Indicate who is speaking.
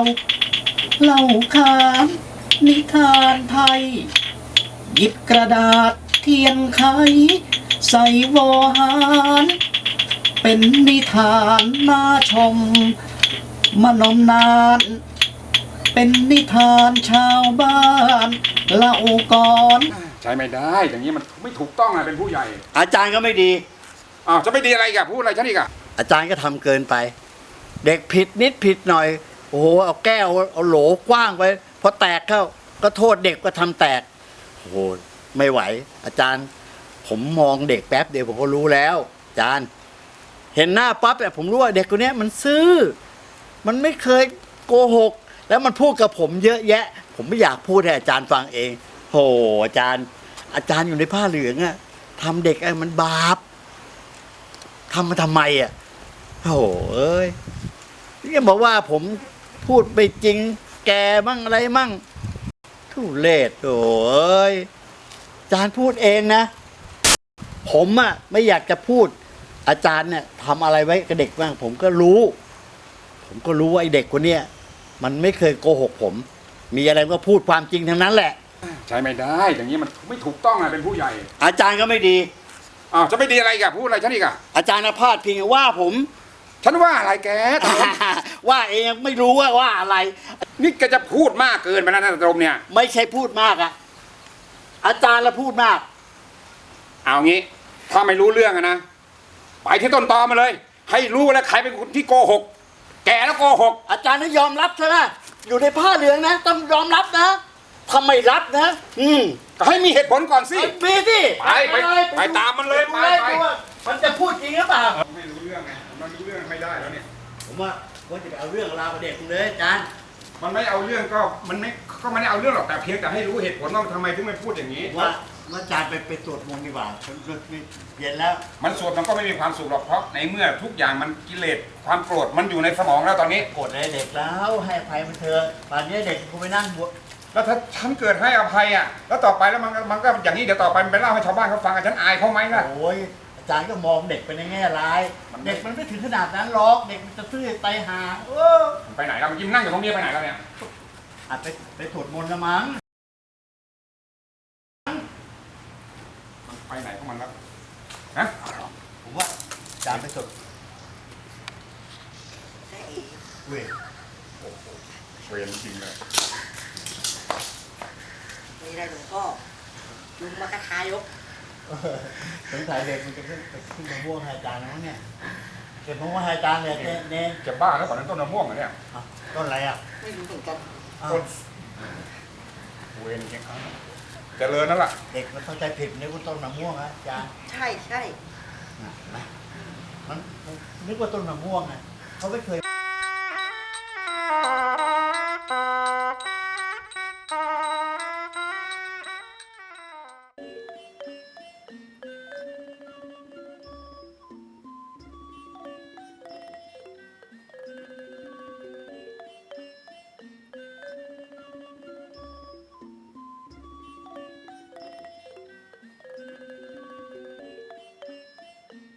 Speaker 1: เล่าขานนิทานไทย หยิบกระดาษเทียนไขใส่วอหารเป็นนิทานน่าชมมานมนานเป็นนิทานชาวบ้านเล่าก่อน
Speaker 2: ใช้ไม่ได้อย่างนี้มันไม่ถูกต้องนะเป็นผู้ใหญ่
Speaker 3: อาจารย์ก็ไม่ดี
Speaker 2: อ้าวจะไม่ดีอะไรอีกับพูดอะไรฉันอีกอะ
Speaker 3: อาจารย์ก็ทำเกินไป เด็กผิดนิดผิดหน่อย โอ้โหเอาแก้วเอาโหลกว้างไปพอแตกเข้าก็โทษเด็กก็ทำแตกโอ้โหไม่ไหว อาจารย์ ผมมองเด็กแป๊บเดียวผมก็รู้แล้ว อาจารย์ เห็นหน้าปั๊บเนี่ยผมรู้ว่าเด็กคนนี้มันซื่อมันไม่เคยโกหก แล้วมันพูดกับผมเยอะแยะ ผมไม่อยากพูดให้อาจารย์ฟังเองโหอาจารย์อยู่ในผ้าเหลืองอะทำเด็กไอ้มันบาปทำมาทำไมอะโหเอ้ยนี่บอกว่าผมพูดไปจริง แกมั่งอะไรมั่งทุเรศโอ้ยอาจารย์พูดเองนะ ผมอะไม่อยากจะพูด อาจารย์เนี่ยทำอะไรไว้กับเด็กบ้างผมก็รู้ว่าไอ้เด็กคนเนี้ยมันไม่เคยโกหกผม มีอะไรก็พูดความจริงทั้งนั้นแหละ
Speaker 2: ใช้ไม่ได้อย่างนี้มันไม่ถูกต้องนะเป็นผู้ใหญ่
Speaker 3: อาจารย์ก็ไม่ดี
Speaker 2: อ้าวจะไม่ดีอะไรอีกับพูดอะไรฉันอีกอะ
Speaker 3: อาจารย์พาดพิงว่าผม
Speaker 2: ฉันว่าอะไรแกตลม
Speaker 3: ว่าเองไม่รู้ว่าอะไร
Speaker 2: นี่แกจะพูดมากเกินไปแล้วนะตลมเนี่ย
Speaker 3: ไม่ใช่พูดมากอะอาจารย์ละพูดมาก
Speaker 2: เอางี้ถ้าไม่รู้เรื่องอะนะไปที่ต้นตอมาเลย ให้รู้แล้วใครเป็นคนที่โกหก แกแล้วโกหก
Speaker 3: อาจารย์ต้องยอมรับใช่ไหมอยู่ในผ้าเหลืองนะต้องยอมรับนะทำไมรับนะ
Speaker 2: ก็ให้มีเหตุผลก่อนสิ
Speaker 3: มีสิ
Speaker 2: ไปตามมันเลยไป
Speaker 3: ดูว่ามันจะพูดจริงหรือเปล่า
Speaker 2: ไม่รู้เรื่องไงมันรู้เรื่องไม่ได้แล้วเนี่ย
Speaker 3: ผมว่าจะไปเอาเรื่องราวกับเด็กเลยอาจารย์
Speaker 2: มันไม่เอาเรื่องก็มันไม่ได้เอาเรื่องหรอกแต่เพียงแต่ให้รู้เหตุผลว่าทำไมถึงไม่พูดอย่างนี้
Speaker 3: ว่าอาจารย์ไปสวดมนต์ดีกว่าเย็นแล้ว
Speaker 2: มันสวดมันก็ไม่มีความสุขหรอกเพราะในเมื่อทุกอย่างมันกิเลสความโกรธมันอยู่ในสมองแล้วตอนนี้
Speaker 3: โกรธอะไรเด็กแล้วให้อภัยมันเถอะป่านนี้เด็กคงไปนั่งบวช
Speaker 2: แล้วถ้าฉันเกิดให้อภัยอ่ะแล้วต่อไปแล้วมันก็อย่างนี้เดี๋ยวต่อไปมันไปเล่าให้ชาวบ้านเขาฟังอ่ะฉันอายเขาไหมล่ะ
Speaker 3: โอ้ยอาจารย์ก็มองเด็กไปในแง่ร้ายเด็กมันไม่ถึงขนาดนั้นหรอก เด็กมันจะซื่อไตหา
Speaker 2: ไปไหนแล้วมันยิ้มนั่งอยู่ตรงนี้ไปไหนแล้วเนี่ย
Speaker 3: อาจไปสวดมนต์ละมั้ง
Speaker 2: ไปไหนของมันแล้วฮะ
Speaker 3: ผมว่าอาจารย์ไปสวดเว้ย
Speaker 2: เวรจริงเลย
Speaker 4: ไม่ได้หลวงพ่อลุงมากระทายก
Speaker 3: สงสัยเด็กมันจะขึ้นมะม่วงให้อาจารย์นะเนี่ยเก็บมะม่วงให้อาจารย์เนี่ยเน้น
Speaker 2: จะบ้าแล้วก่อนนั้นต้นมะม่วงเหรอเนี่ย
Speaker 3: ต้นอะไรอ่ะ
Speaker 4: ไม่รู้เหมือนกัน
Speaker 2: ต้นเวรจริงเจริญนั่นแหละ
Speaker 3: เด็กมันเข้าใจผิดนึกว่าต้นมะม่วงนะอาจารย์
Speaker 4: ใช่
Speaker 3: มันนึกว่าต้นมะม่วงไงเขาไม่เคย